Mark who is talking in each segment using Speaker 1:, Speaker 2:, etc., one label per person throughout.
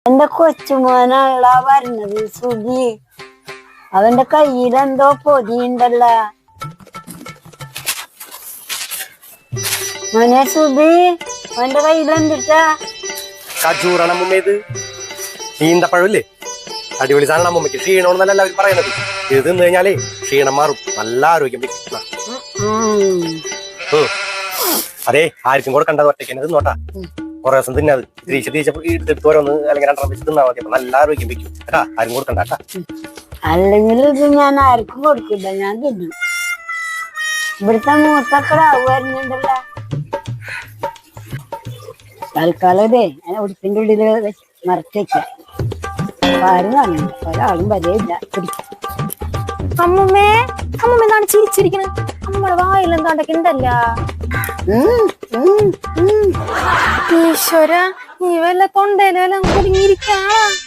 Speaker 1: എന്റെ കൊച്ചുമോനുള്ള വരുന്നത് സുഖി. അവന്റെ കയ്യിലെന്തോ പൊതിയുണ്ടല്ല. മോനെ സുബി, അവന്റെ കയ്യിലെന്തിട്ടാ?
Speaker 2: കജൂറാണ് അമ്മൂമ്മ. ഇത് ഈന്തപ്പഴമില്ലേ, അടിപൊളി സാധനം. അമ്മൂമ്മയ്ക്ക് ക്ഷീണമെന്നല്ല എല്ലാവരും പറയണത്. ഇത് തിന്നു കഴിഞ്ഞാലേ ക്ഷീണം മാറും, നല്ല ആരോഗ്യം വെക്കും. അതെ, ആർക്കും കൊടുക്കണ്ടത്, ഒറ്റയ്ക്ക് തന്നെ തിന്നോട്ടാ. കുറെ ദിവസം തിന്നത് തിരിച്ച് ഓരോന്ന് അല്ലെങ്കിൽ രണ്ടെണ്ണം വെച്ച് തിന്നാ മതി. അപ്പൊ നല്ല ആരോഗ്യം വെക്കും കേട്ടാ. ആരും കൊടുക്കണ്ട കേട്ടാ.
Speaker 1: അല്ലെങ്കിൽ ഇത് ഞാൻ ആർക്കും കൊടുക്കില്ല, ഞാൻ തിന്നും. ഇവിടുത്തെ മൂത്തക്കള വരുന്നുണ്ടല്ലോ. തൽക്കാലം ഇതേ ഞാൻ ഉടുപ്പിന്റെ ഉള്ളില് മറച്ചേക്കാം. ആരും കാണുന്നു, ഒരാളും വരെയില്ല.
Speaker 3: അമ്മമ്മേ, അമ്മമ്മ എന്താണ് ചിരിച്ചിരിക്കണത്? അമ്മയുടെ വായിൽ എന്താണ്ടൊക്കെ ഉണ്ടല്ല. ഈശ്വര, നീ വല്ല തൊണ്ടയിലെല്ലാം കുടുങ്ങിയിരിക്കാ.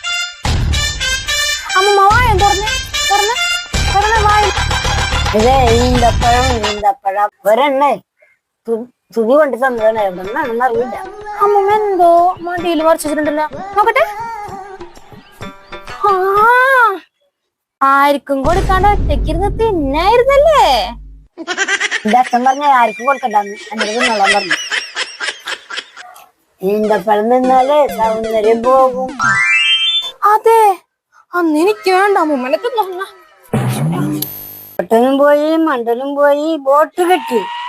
Speaker 3: അമ്മമ്മ വായ തുറന്ന് വായ.
Speaker 1: ഇതേ ഈന്തപ്പഴം ഒരെണ്ണേ സുഖി കൊണ്ട് തന്നതാണ്. എവിടെന്നാണെന്ന് അറിയില്ല.
Speaker 3: അമ്മമ്മ എന്തോ മടിയിൽ മറിച്ചിട്ടുണ്ടല്ലോ, നോക്കട്ടെ. ആർക്കും കൊടുക്കാണ്ട് ഒറ്റയ്ക്കിരുന്ന് തിന്നായിരുന്നല്ലേ?
Speaker 1: എന്റെ അച്ഛൻ പറഞ്ഞ ആർക്കും കൊടുക്കണ്ടെന്ന് എന്റെ തിന്നോളാൻ പറഞ്ഞു. ഈന്തപ്പഴം നിന്നാലേ സൗന്ദര്യം പോകും.
Speaker 3: അതെ, അന്ന് എനിക്ക് വേണ്ട. അമ്മമ്മനെ തിന്നോ.
Speaker 1: ഒട്ടനും പോയി, മണ്ടനും പോയി, ബോട്ട് കെട്ടി.